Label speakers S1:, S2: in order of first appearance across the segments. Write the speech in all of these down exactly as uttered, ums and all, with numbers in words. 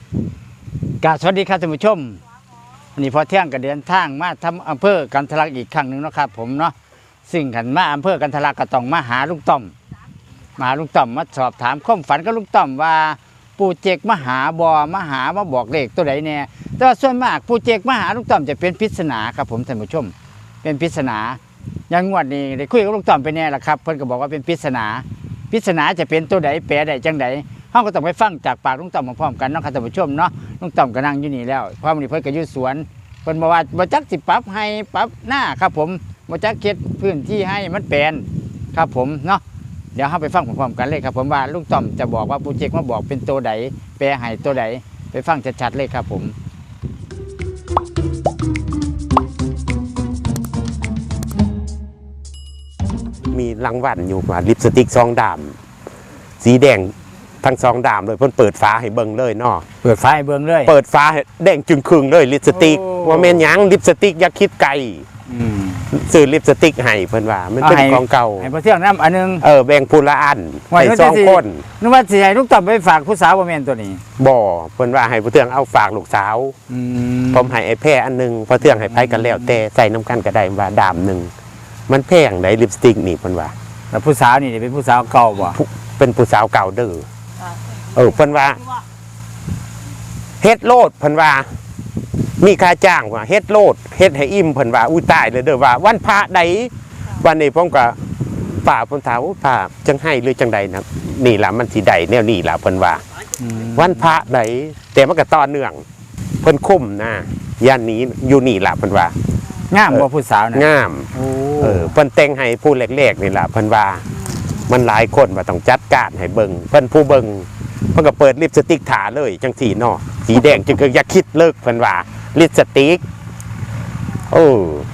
S1: กาสวัสดีครับท่านผู้ชมวันนี้พอเที่ยงก็เดินทางมาทำอำเภอกันทะลักอีกครั้งหนึ่งนะครับผมเนาะซึ่งขันมาอำเภอกันทะลักก็ต้องมาหาลุงต้อมมาหาลุงต้อมมาสอบถามความฝันกับลุงต้อมว่าปู่เจกมาหาบอมาหามาบอกเลขตัวไหนเนี่ยแต่ว่าส่วนมากปู่เจกมาหาลุงต้อมจะเป็นปริศนาครับผมท่านผู้ชมเป็นปริศนาอย่างงวดนี้ได้คุยกับลุงต้อมไปแน่ละครับเพิ่นก็บอกว่าเป็นปริศนาปริศนาจะเป็นตัวไหนแปลได้จังไดเราก็ต้องไปฟังจากปากลุงต้อมพร้อมๆกันเนาะครับท่านผู้ชมเนาะลุงต้อมก็นั่งอยู่นี่แล้วเพราะวันนี้เพิ่นก็อยู่สวนเพิ่นบอกว่าบ่จักสิปรับให้ปรับหน้าครับผมบ่จักเฮ็ดพื้นที่ให้มันแปลนครับผมเนาะเดี๋ยวเฮาไปฟังพร้อมๆกันเลยครับผมว่าลุงต้อมจะบอกว่าโปรเจกต์มาบอกเป็นตัวใดแปลให้ตัวใดไปฟังชัดๆเลยครับผม
S2: มีรางวัลอยู่ว่าลิปสติกซองดำสีแดงทั้งซองดำเลยเพิ่นเปิดฟ้าให้เบิ่งเลยเนาะ
S1: เปิดไฟเบิ่งเลย
S2: เปิดฟ้าให้แดงจึงครึ่งเลยลิปสติกว่าแม่นหยังลิปสติกอย่าคิดไกล
S1: อืม
S2: ซื้อลิปสติกให้เพิ่นว่ามันเป็นของเก่า
S1: ให้พอเที่ยงนำอันนึง
S2: เออแบ่งผู้ละอันให้สองคน
S1: นึกว่าสิให้ลุงต้อมไปฝากผู้สาวบ่แม่นตัวนี้
S2: บ่เพิ่นว่าให้ผู้เทืองเอาฝากลูกสาว
S1: อืม
S2: ผมให้ไอ้แพรอันนึงพอเทืองให้ไผกันแล้วแต่ใส่น้ำกันก็ได้ว่าดามนึงมันแพงได้ลิปสติกนี่เพิ่นว่า
S1: แล้วผู้สาวนี่เป็นผู้สาวเก่าบ่
S2: เป็นผู้สาวเก่าเด้อเออเพิ่นว่าเฮ็ดโลดเพิ่นว่ามีค่าจ้างว่าเฮ็ดโลดเฮ็ดให้อิ่มเพิ่นว่าอุ้ยตายเลยเด้อว่าวันพระใดวันนี้ผมก็ป่าเพิ่นถามป่าจังให้หรือจังใดนะนี่ล่ะมันสิได้แนวนี้ล่ะเพิ่นว่าวันพระใดแต่มันก็ต่อเนื่องเพิ่นคุ้มนะย่านนี้อยู่นี่ล่ะเพิ่นว่าง
S1: ามบ่ผู้สาวนะ
S2: งามเออเพิ่นแต่งให้ผู้เล็กๆนี่ล่ะเพิ่นว่ามันหลายคนว่าต้องจัดการให้เบิ่งเพิ่นผู้เบิ่งเพิ่นก็เปิดลิปสติกถาเลยจังสีเนาะสีแดงจึงคืออย่าคิดเลิกเพิ่นว่าลิปสติกโอ้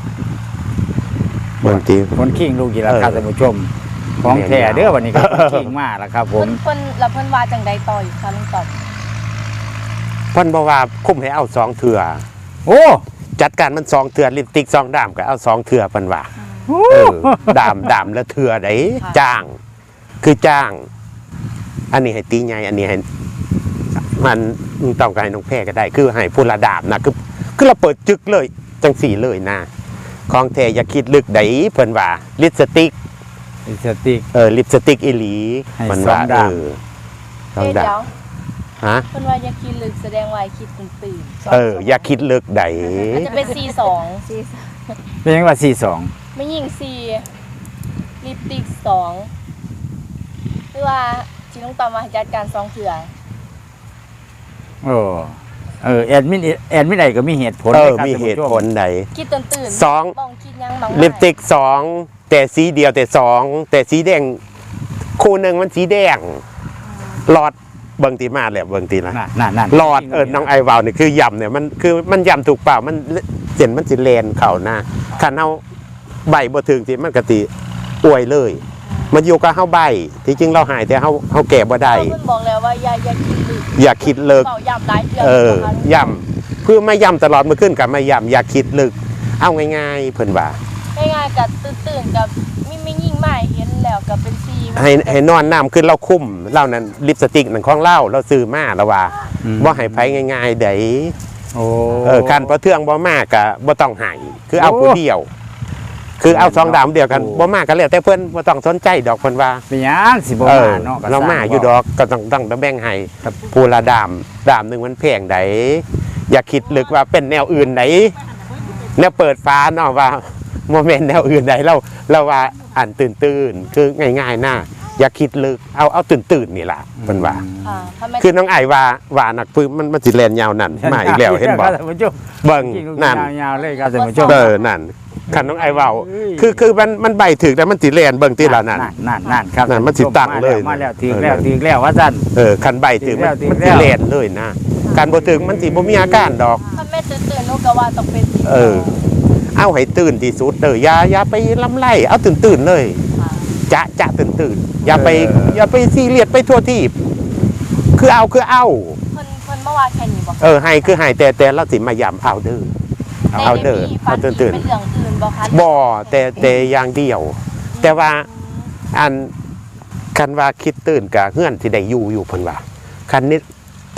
S2: บางที
S1: คนขิงลูกกี่ราคาท่านผู้ชมของแท้เด้อวันนี้ก็ขิงมากแล้วครับผม
S3: เพิ่นแล้วเพิ่นว่าจังใดต่ออีกคะลุงต้อม
S2: เพิ่นบอกว่าคุ้มให้เอาสองเถื่อ
S1: โอ้
S2: จัดการมันสองเถื่อลิปสติกสองดามก็เอาสองเถื่อเพิ่นว่าเออดามดามแล้วเถื่อไดจ้างคือจ้างอันนี้ให้ตีใหญ่อันนี้ให้มันต้องการให้น้องแพรก็ได้คือให้ผู้ละดามนะคือคือเราเปิดจึกเลยจังสี่เลยนะของแท้อย่าคิดลึกไดเพิ่นว่าลิปสติก
S1: ลิปสติก
S2: เออลิปสติกอีหลีเพิ่นว่าเออ
S3: ต้องดาม
S2: ฮะ
S3: เพิ่นว่าอย่าคิดลึกแสดงว่าคิดตื่น
S2: ๆเอออย่าคิดลึกได
S3: อาจจะเป็นสี่สอง
S1: เป็นยังว่าสี่สอง
S3: ไม่ยิงสี่ลิปสติกสองหรือว่าที่ลุงต้อมมาจัดการสองเถื่อ
S1: โอ้เออแอดมินแอดมินใดก็มีเหตุผล
S2: เออมีเหตุผลใด
S3: คิดตื่นตื่น
S2: สอง
S3: คิดยังบาง
S2: ลิปสติกสองแต่สีเดียวแต่สองแต่สีแดงคู่หนึ่งมันสีแดงหลอดเบิ่งตีมาแล้วเบิ่งตีละหลอดเออน้องไอวาวนี่คือยำเนี่ยมันคือมันยำถูกเปล่ามันเส้นมันสิเลนเข่าหน้าขันเอาใบบ่ถึงสิมันกะติอวยเลยมันอยู่กับเฮาใบที่จริงเราหายแต่เฮาเฮาแก่บ่ได้
S3: เพิ่นบอกแล้วว่าอย่าอย่าคิดลึก
S2: อย่าคิดลึก
S3: ย่ำหลายเดือน
S2: เออย่ำเพื่อไม่ย่ำตลอดมื้อขึ้นกับไม่ย่ำอย่าคิดลึกเอาง่ายๆเพิ่นว่า
S3: ง่ายๆกับตื่นๆกับมีไม่ยิ่งไม่เห็นแล้วกับเป็นซี
S2: ให้ให้นอนน้ำขึ้นเราคุ้มเล่านั้นลิปสติกนั่นของเล่าเราซื้อมาแล้วว่าบ่ให้ไผง่ายๆเด้
S1: โอ้
S2: เออคันบ่เทื่องบ่มากก็บ่ต้องให้คือเอาผู้เดียวคือเอาสองดามเดียวกันบ่มากกันแล้วแต่เพิ่นบ่ต้องสนใจดอกเพิ่นว่า
S1: เป็นหยังสิบ่มาเนาะ
S2: เรามาอยู่ดอกก็ต้องต้องแบ่งให้ผู้ละดามดามนึงมันแพงไดอย่าคิดลึกว่าเป็นแนวอื่นไดแนวเปิดฟ้าเนาะว่าโมเมนต์แนวอื่นใดเราเราว่าอ่านตื่นตื่นคือง่ายๆนะอย่าคิดลึกเอาเอาตื่นตื่นนี่แหละเป็นว่าคือน้องไอว่าว่านักปืนมันมันสิแลนยาวนั่นมาอีกแล้วเห็นบอกเบิ่งนั่น
S1: ยาวเลยครับท่านผู้ชม
S2: เออนั่นขันน้องไอว่าคือคือมันมันใบถึกแต่มันสิแลนเบิ่งที่ละนั่น
S1: นั่นนั่นครับ
S2: นั่นมันสิตั้งเลย
S1: มาแล้วถึงแล้วถึงแล้วว่าซั่น
S2: เออขันใบถึกมันสิแลนเลยนะการบ่ถึงมันสิบ่มีอาการดอก
S3: ถ้าแม่ตื่นตื่นนูก็ว่าต้องเป็น
S2: เออเอาให้ตื่นที่สุดเลยอย่าอย่าไปล้ำไล่เอาตื่นตื่นเลยจะจะตื่นตื่นอย่าไปอย่าไปซีเรียสไปทั่วที่คือเอาคือเอา
S3: เพิ่นเพิ่นเมื่อวานแค่นี้บอก
S2: เออให้คือให้แต่แต่เราสิมายำเอาเด้อเอาเด้อเอาตื่นตื่น
S3: เป็นเรื่องอื่นบ่คะ
S2: บ่แต่แต่อย่างเดียวแต่ว่าอันคันว่าคิดตื่นกับเงื่อนที่ได้อยู่อยู่เพิ่นว่าคันนี้คิด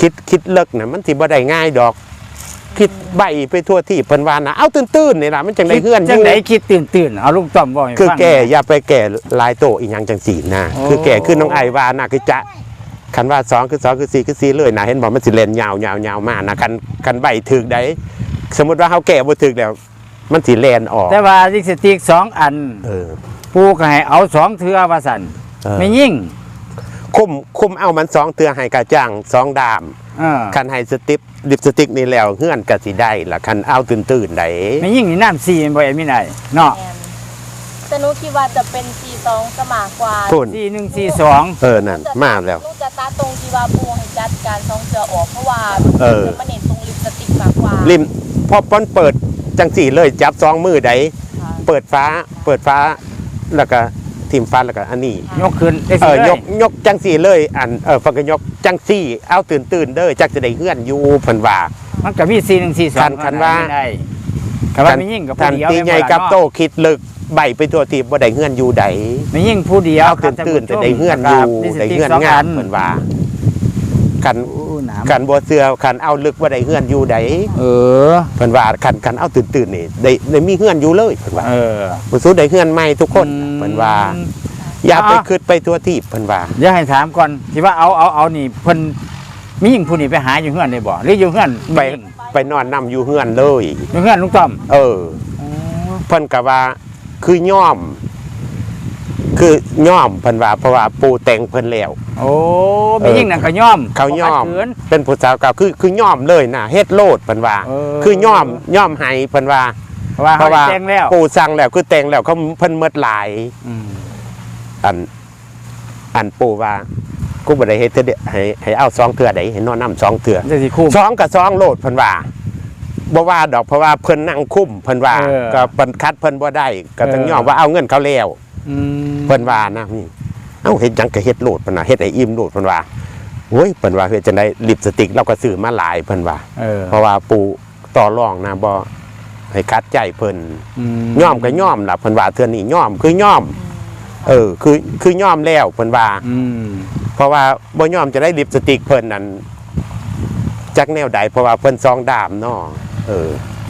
S2: คิดคิดเลิกน่ะมันสิบ่ได้ง่ายดอก คิดใบไปทั่วที่เพิ่นว่านะเอาตื้นๆนี่ล่ะมันจังได้เฮือนอ
S1: จัง
S2: ยู่
S1: ไดคิดตื่นๆเอาลุงต้อมบอกให้
S2: คือ
S1: ฟัง
S2: แก่อย่าไปแก่ลายโตอีหยังจังสี่นะ
S1: โอ้
S2: คือแก่คือน้องไอว่าน่ะคือจะคันว่าสองคือสองคือสี่คือสี่เลยนะเห็นบอกมันสิเล่นยาวยาวยาวมากนะคันคันใบถึกได้สมมุติว่าเฮาแก่บ่ถึกแล้ว มันสิแล่นออก
S1: แต่ว่าลิปสติกสองอัน
S2: เออ
S1: ปูก็ให้เอาสองเทื่อว่าซั่น
S2: เออ
S1: ไม่ยิ่ง
S2: คุมคุมเอามันสองเตือให้กระจ่างสองดาม
S1: เออ
S2: คันให้สติปลิปสติกนี่แล้วเฮือนก็สิได้ล่ะคันเอาตื่นๆได้
S1: ไม่ยิ่งนี่น้ำซีมันบ่แอนมีได้เนาะ
S3: แม่นแต่หนูคิดว่าจะเป็นสี่สองสมากกว่า
S2: พุ่น
S1: สี่หนึ่งสี่สอง
S2: เออนั่นมาแล้ว
S3: หนูจะตัดตรงที่ว่าปูให้จัดการสองเสือออกเพราะว่า
S2: เออ
S3: จะมาเน้นตรงลิปสติกมากกว่า
S2: ริมพอป้อนเปิดจังสี่เลยจับสองมือได้
S3: ค่ะ
S2: เปิดฟ้าเปิดฟ้าแล้วก็ทิมฟ้าแล้วก็อันนี้
S1: ยกขึ้นได้
S2: เอ
S1: สิ
S2: อ
S1: เลย
S2: กยกจังสี่เลยอันเออฟังก็ยกจังสี่เอาตื่นตื่นๆเด้อจักจะได้เฮือนอยู่เพิ่นว่า
S1: มันก็มีสี่หนึ่งสี่สอง
S2: คันคันว่า
S1: ได้คันว่าไม่ยิ่งกับ
S2: ทั
S1: ผู้
S2: น
S1: เดียว
S2: ตีใหญ่กับโตคิดลึกใบไปตัวทีบ่ได้เฮือนอยู่ใด
S1: ไม่ยิ่งผู้เดียว
S2: เอาตื่นตื่นๆแต่ได้เฮือนอยู่ได้เฮือนงามเพิ่นว่าคัน
S1: อู้หนาม
S2: คันบ่เชื่อคันเอาลึกบ่ได้เฮือนอยู่ใด
S1: เออ
S2: เพิ่นว่าคันคันเอาตื่นตื่นๆนี่ได้ได้มีเฮือนอยู่เลยเพิ่นว่า
S1: เออ
S2: บ่สู้ได้เฮือนใหม่ทุกคนเพิ่นว่า อย่าไป
S1: อ่ะ
S2: คิดไปตัวที่เพิ่นว่า
S1: เดี๋ยวให้ถามก่อนที่ว่าเอาเอาเอานี่เพิ่นมียิ่งผู้นี่ไปหาอยู่เฮือนได้บ่หรืออยู่เฮือน
S2: ไปไปนอนนํอยู่เฮือนเลย
S1: อยู่เฮือนลุงต้อม
S2: เออ เพิ่นก็ว่าคือย่อม คือย่อมเพิ่นว่าเพราะว่าปูแต่งเพิ่นแล้ว
S1: โอ้มียิ่งนั่นก็ย่อม
S2: เขาย่อม
S1: ขัดขืน
S2: เป็นผู้สาวเก่าคือคือย่อมเลยนะเฮ็ดโลดเพิ่นว่า
S1: เออ
S2: คือย่อมย่อมให้เพิ่นว่า
S1: เพราะว่า
S2: เพ
S1: เขา
S2: ราะว่า
S1: แจ้งแล้ว
S2: ปูสั่งแล้วคือแต่งแล้วเขาเพิ่นเมิดหลาย
S1: อืม
S2: อัน อันปูว่ากูบ่ได้เฮ็ดเทื่อเดียวให้ให้เอาสองเทื่อใดให้นอนนำสองเทื่อ
S1: จะสิคุ้ม
S2: สองกับสองโลดเพิ่นว่าบ่ว่าดอกเพราะว่าเพิ่นนั่งคุ้มเพิ่นว่า
S1: เออ
S2: ก็เพิ่นคัดเพิ่นบ่ได้ก็ต้อง
S1: เออ
S2: ยอมว่าเอาเงินเขาแล้ว
S1: อืม
S2: เพิ่นว่านะนี่เอ้าเฮ็ดหยังก็เฮ็ดโลดเพิ่นว่าเฮ็ดให้อิ่มโลดเพิ่นว่าโอ้ยเพิ่นว่าเฮ็ดจังได๋ลิปสติกเราก็ซื้อมาหลายเพิ่นว่า
S1: เออ
S2: เพราะว่าปู่ต่อรองนะบ่ให้คัดใจเพิ่น
S1: ม
S2: ย่อมก็ย่อมล่ะเพิ่นว่าเทื่อนี้ย่อมคือย่อม เออ คือคือย่อมแล้วเพิ่นว่า
S1: อืม
S2: เพราะว่าบ่ย่อมจะได้ลิปสติกเพิ่นนั่นจักแนวใดเพราะว่าเพิ่นซองดามเนาะเออ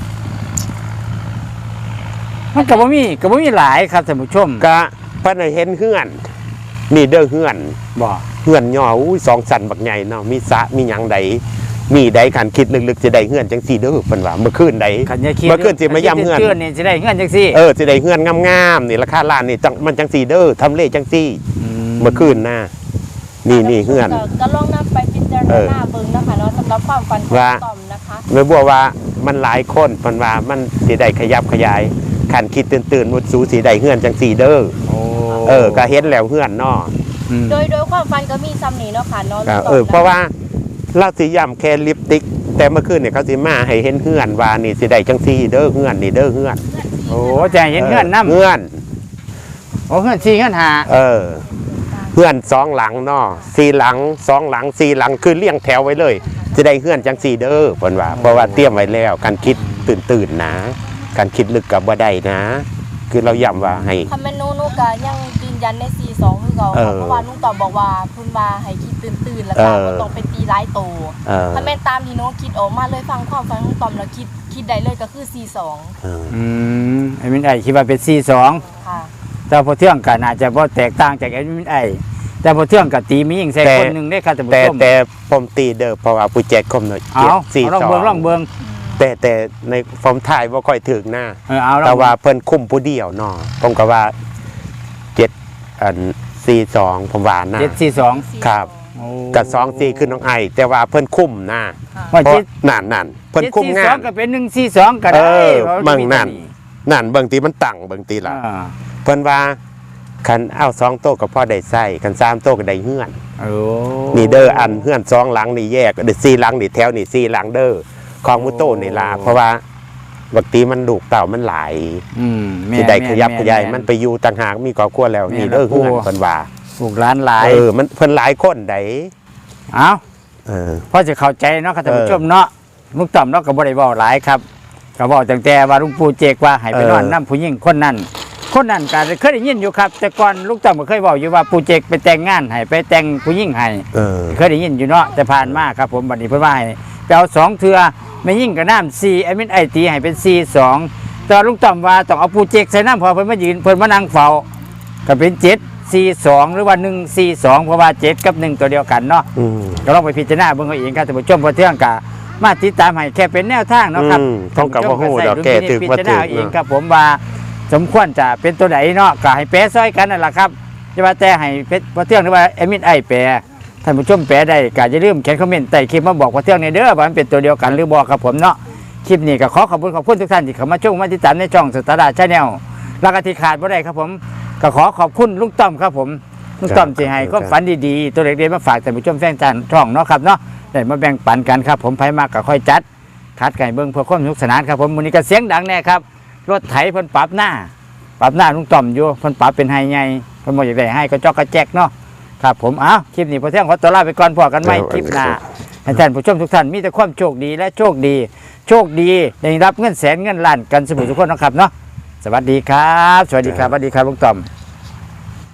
S1: มันก็บ่มีก็บ่มีหลายครับท่านผู้ชม
S2: ก็เพิ่นให้เห็นเฮือนนี่เด้อเฮือน
S1: บ่
S2: เฮือนย่ออุ้ยสองสันบักใหญ่เนาะมีสระมีหยังใดมีใดคันคิดลึกๆจะได้เฮือนจังซี่เด้อเพิ่นว่าเมื่อคืนใด
S1: ขันยาคิด
S2: เมื่อคืนสิมาย่ำเฮือน
S1: คืนนี่สิได้เฮือนจังซี่
S2: เออสิได้เฮือนงามๆนี่ราคาล้านนี่จังมันจังซี่เด้อทำเลจังซี่เมื่อคืนน่ะนี่นี่เฮือน
S3: ก็ก็ลองนำไปพิจาร
S2: เออ
S3: ณาเบิ่งนะคะเนาะสำหรับความฝันของ
S2: ว่า
S3: ต่อมนะคะ
S2: แม่บัวว่ามันหลายคนเพิ่นว่ามันสิได้ขยับขยายคันคิดตื่นๆมุดสูสิได้เฮือนจังซี่เด้อ
S1: โอ้
S2: เออก็เห็นแล้วเฮือนเนาะ
S1: อืม
S3: โดยโดยความฝันก็มีซ้ำนี้เนาะค่ะเนาะ
S2: ก็
S3: ต่ม
S2: เออเพราะว่าเราสิย้ำแค่ลิปสติก แต่เมื่อคืนเนี่ยเขาสิมาให้เห็นเฮือนว่านี่สิได้จังซี่เด้อเฮือนนี่เด้อเฮือน
S1: โอ้จะให้เห็นเฮือนนำ
S2: เฮือน
S1: โอ้เฮือนสี่เฮือนห้า
S2: เออเฮือนสองหลังเนาะสี่หลังสองหลังสี่หลังคือเรียงแถวไว้เลยจะได้เฮือนจังซี่เด้อเพิ่นว่าเพราะว่าเตรียมไว้แล้วการคิดตื่นตื่นๆนะการคิดลึกกับบ่ได้นะ คือเราย้ำว่าให้
S3: คำแม่นหนูหนูก็ยังยืนยันในสี่สองคือเก่า
S2: เอ
S3: ค่ะ
S2: อ
S3: เพราะว่าลุงต่อบอกว่าเพิ่นว่าให้คิดตื่นๆแล้วก็
S2: เออ
S3: บ่ต้องเป็นตีร้ายโต
S2: เออ
S3: ถ้าแม่นตามที่หนูคิดออกมาเลยฟังความฝันของต่อมแล้วคิดคิดได้เลยก็คือสี่สอง
S2: เออ
S1: อืมไอ้มินไอคิดว่าเป็นสี่สอง
S3: ค่ะ
S1: แต่พอเที่ยงกันอาจจะบ่แตกต่างจากไอ้มินไอแต่พอเที่ยงกับตีมียิ่งใส่
S2: แต่
S1: คนหนึ่งได้ครับท่านผู้
S2: แต่
S1: ชม
S2: แต่ผมตีเด้อเพราะว่าผู้แจกคมเนาะ
S1: เอา
S2: เจ็ดสี่
S1: เอาลอง
S2: สอ
S1: เบิ่งลอง
S2: ง
S1: เบิ่ง
S2: แต่แต่ในผมถ่ายบ่ค่อยถึงหน้า
S1: เออเอาลอง
S2: แต่ว่าเพิ่นคุมผู้เดียวเนาะผมก็ว่าเจ็ดอันสี่สองผมว่านะ
S1: เจ็ดสี่สอง
S2: ครับ
S1: โอ้
S2: กับสองสี่คือน้องไอแต่ว่าเพิ่นคุมนะ
S1: ว่า
S2: เพราะ
S1: เจ็ด
S2: นั่นนั่นเพิ่นคุม
S1: เจ็ด
S2: งา
S1: สี่สอน ก็เป็นหนึ่งสี่สองก็ได้
S2: เออ
S1: พราะ
S2: มั่ง
S1: มี
S2: นั่น นั่นเบิ่งตีมันตั้งเบิ่งตีล่ะ
S1: อ่า
S2: เพิ่นว่าคันเอาสองโต๊ะก็พอได้ใส่คันสามโต๊ะก็ได้เฮือน
S1: โอ้
S2: นี่เด้ออันเฮือนสองหลังนี่แยกเด้อสี่หลังนี่แถวนี่สี่หลังเด้อของมุโตนี่ล่ะเพราะว่าบางทีมันลูกเต่ามันหลาย
S1: อืมแม่
S2: ที่ได้ขยับ
S1: แม่
S2: ขยาย
S1: แ
S2: มันไปอยู่ต่างหากมีครอบครัวแล้ว
S1: แม่
S2: นี่เด้อ
S1: ละ
S2: เฮือน
S1: ครัว
S2: เพิ่นว่า
S1: ลูกหลานหลาย
S2: เออมันเพิ่นหลายคนได้
S1: เอา
S2: เออ
S1: พอจะเข้าใจเนาะครับท่านผู้
S2: เออ
S1: ชมเนาะลุงต่อมเนาะก็บ่ได้เว้าหลายครับก็บอกตั้งแต่ว่าลุงปู่เจกว่าให้ไป
S2: เออ
S1: นอนนํผู้หญิงคนนั้นคนนั้นก็เคยได้ยินอยู่ครับ แต่ก่อนลูกต้อมก็เคยบอกอยู่ว่าปูเจกไปแต่งงานให้ไปแต่งผู้หญิงให้
S2: เออ
S1: เคยได้ยินอยู่เนาะแต่ผ่านมาครับผมบัดนี้เพิ่นว่าให้ไปเอาสองเทือไม่ยิ่งกับน้ำสี่ไอ้มินไอตีให้เป็นสี่สองแต่ลุงต้อมว่าต้องเอาปูเจกใส่น้ำพอเพิ่นมายืนเพิ่นมานั่งเฝ้าก็เป็นเจ็ดสี่สองหรือว่าหนึ่งสี่สองเพราะว่าเจ็ดกับหนึ่งตัวเดียวกันเนาะ
S2: อืม
S1: ก็ลองไปพิจารณาเบิ่งเอาเองครับท่านผู้ชมพอเที่ยงกะมาติดตามให้แค่เป็นแนวทางเนาะครับ
S2: อืมต้องกับว่าฮู้ดอกแก่ตึก
S1: พิ
S2: ว่า
S1: จาร
S2: ตึ
S1: ณาก เอง
S2: เนาะ
S1: ครับผมว่าสมควรจะเป็นตัวไหนเนาะก็ให้แปรซอยกันนั่นแหละครับจะว่าแต่ให้เพชรพอเที่ยงหรือว่าเอมินไอแปรท่านผู้ชมแปลได้ก็อย่าลืมเขียนคอมเมนต์ใต้คลิปมาบอกพอเที่ยงในเด้อว่ามันเป็นตัวเดียวกันหรือบอกครับผมเนาะคลิปนี้ก็ขอขอบคุณขอบคุณทุกท่านที่เข้ามาชมมาติดตามในช่องสตาร์ดาชาแนลแล้วก็ที่ขาดบ่ได้ครับผมก็ขอขอบคุณลุงต้อมครับผมลุงต้อมที่ให้ความฝันดีๆตัวเล็กๆมาฝากท่านผู้ชมแฟนจานช่องเนาะครับเนาะได้มาแบ่งปันกันครับผมไผมากก็ค่อยจัดคัดไก่เบิ้งเพื่อความสนุกสนานครับผมมื้อนี้ก็เสียงดังแน่ครับรถไถเพิ่นปรับหน้าปรับหน้าลุงต้อมอยู่เพิ่นปรับเป็นไฮใหญ่เพิ่นบ่อยากได้ให้ก็จอกกระแจกเนาะครับผมอ้าวคลิปนี้พอเที่ยงขอตัวลาไปก่อนพอกันใหม่คลิปหน้าให้ท่านผู้ชมทุกท่านมีแต่ความโชคดีและโชคดี โชคดีได้รับเงินแสนเงินล้านกันเสมอทุกคนนะครับเนาะสวัสดีครับ สวัสดีครับสวัสดีครับลุงต้อม